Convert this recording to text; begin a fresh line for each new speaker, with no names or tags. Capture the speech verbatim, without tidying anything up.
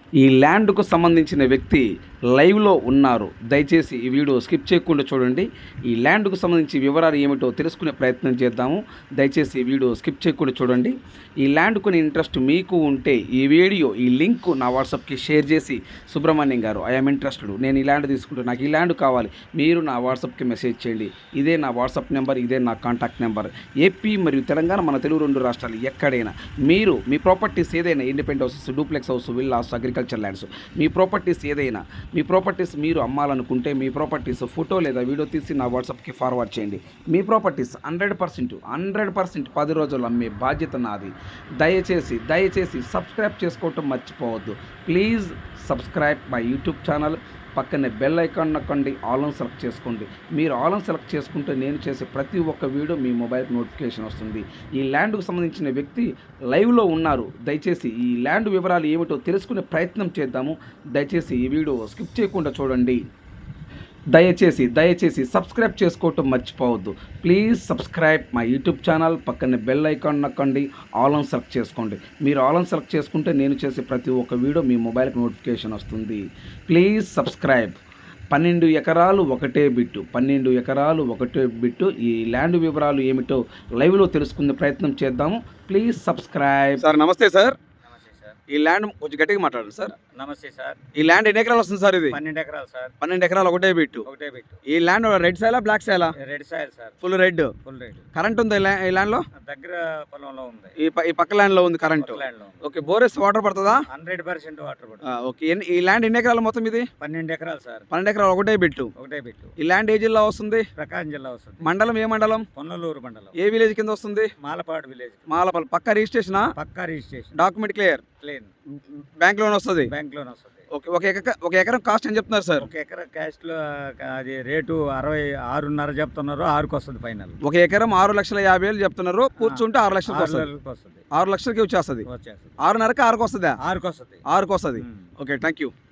ఈ ల్యాండ్కు సంబంధించిన వ్యక్తి లైవ్లో ఉన్నారు. దయచేసి ఈ వీడియో స్కిప్ చేయకుండా చూడండి. ఈ ల్యాండ్కు సంబంధించి వివరాలు ఏమిటో తెలుసుకునే ప్రయత్నం చేద్దాము. దయచేసి ఈ వీడియో స్కిప్ చేయకుండా చూడండి. ఈ ల్యాండ్ కొని ఇంట్రెస్ట్ మీకు ఉంటే ఈ వీడియో ఈ లింక్ నా వాట్సాప్కి షేర్ చేసి, సుబ్రహ్మణ్యం గారు ఐఎమ్ ఇంట్రెస్టెడ్, నేను ఈ ల్యాండ్ తీసుకుంటే నాకు ఈ ల్యాండ్ కావాలి, మీరు నా వాట్సాప్కి మెసేజ్ చేయండి. ఇదే నా వాట్సాప్ నెంబర్, ఇదే నా కాంటాక్ట్ నెంబర్. ఏపీ మరియు తెలంగాణ, మన తెలుగు రెండు రాష్ట్రాలు ఎక్కడైనా మీరు మీ ప్రాపర్టీస్ ఏదైనా, independent houses, duplex house, villas, agriculture lands, మీ ప్రాపర్టీస్ ఏదైనా, మీ ప్రాపర్టీస్ మీరు అమ్మాలనుకుంటే మీ ప్రాపర్టీస్ ఫోటో లేదా వీడియో తీసి నా వాట్సాప్కి ఫార్వర్డ్ చేయండి. మీ properties hundred percent hundred percent పది రోజులు అమ్మే బాధ్యత నాది. దయచేసి దయచేసి సబ్స్క్రైబ్ చేసుకోవటం మర్చిపోవద్దు. Please subscribe my YouTube channel. పక్కనే బెల్ ఐకాన్ నొక్కండి, ఆల్ ఆన్ సెలెక్ట్ చేసుకోండి. మీరు ఆల్ ఆన్ సెలెక్ట్ చేసుకుంటే నేను చేసే ప్రతి ఒక్క వీడియో మీ మొబైల్కి నోటిఫికేషన్ వస్తుంది. ఈ ల్యాండ్కు సంబంధించిన వ్యక్తి లైవ్లో ఉన్నారు. దయచేసి ఈ ల్యాండ్ వివరాలు ఏమిటో తెలుసుకునే ప్రయత్నం చేద్దాము. దయచేసి ఈ వీడియో స్కిప్ చేయకుండా చూడండి. దయచేసి దయచేసి సబ్స్క్రైబ్ చేసుకోవటం మర్చిపోవద్దు. Please subscribe my YouTube channel. పక్కన బెల్ ఐకాన్ నొక్కండి, ఆల్ ఆన్ సెలెక్ట్ చేసుకోండి. మీరు ఆల్ ఆన్ సెలెక్ట్ చేసుకుంటే నేను చేసే ప్రతి ఒక్క వీడియో మీ మొబైల్కి నోటిఫికేషన్ వస్తుంది. Please subscribe. పన్నెండు ఎకరాలు ఒకటే బిట్టు పన్నెండు ఎకరాలు ఒకటే బిట్టు ఈ ల్యాండ్ వివరాలు ఏమిటో లైవ్లో తెలుసుకునే ప్రయత్నం చేద్దాము. Please subscribe. సార్ నమస్తే సార్. ఈ ల్యాండ్ కొంచెం గట్టిగా మాట్లాడండి సార్.
నమస్తే సార్.
ఈ ల్యాండ్ ఎన్ని ఎకరాలు వస్తుంది సార్? ఇది
పన్నెండు ఎకరాలు సార్.
పన్నెండు ఎకరాలు ఒకటే బిట్టు
ఒకటే బిట్టు.
ఈ ల్యాండ్ రెడ్ సైలా బ్లాక్ సైలా?
Red soil sir.
Full red.
Full red.
Current ఉంది ఈ ల్యాండ్ లో?
దగ్గర పొలంలో ఉంది.
ఈ ఈ పక్క ల్యాండ్ లో ఉంది కరెంట్. ఓకే, బోరెస్ వాటర్ పడుతుందా?
హండ్రెడ్ పర్సెంట్ వాటర్ పడుతుంది.
ఓకే, ఈ ల్యాండ్ ఎన్ని ఎకరాలు మొత్తం? ఇది
పన్నెండు ఎకరాలు సార్.
పన్నెండు ఎకరాలు ఒకటే బిట్టు
ఒకటే బిట్టు.
ఈ ల్యాండ్ ఏ జిల్లా వస్తుంది?
ప్రకాశం జిల్లా వస్తుంది.
మండలం ఏ మండలం?
పొన్నలూరు మండలం.
ఏ విలేజ్ కింద వస్తుంది?
మాలపాడు విలేజ్.
మాలపల్లి. పక్క రిజిస్ట్రేషన్?
పక్కా registration.
Document clear?
Plain.
Bank loan వస్తుంది?
బ్యాంక్ లోన్ వస్తుంది.
ఓకే, ఒక ఎకర ఒక ఎకరం కాస్ట్ అని చెప్తున్నారు సార్?
ఒక ఎకరా కాస్ట్ లో అది రేటు అరవై ఆరున్నర చెప్తున్నారు. ఆరుకు వస్తుంది ఫైనల్.
ఒక ఎకరం ఆరు లక్షల యాభై వేలు చెప్తున్నారు. కూర్చుంటే ఆరు లక్షలకు వస్తుంది. ఆరు లక్షలకి వచ్చేస్తుంది. ఆరున్నరకి ఆరుకు వస్తుందా?
ఆరుకు వస్తుంది.
ఆరుకు వస్తుంది. Okay, thank you.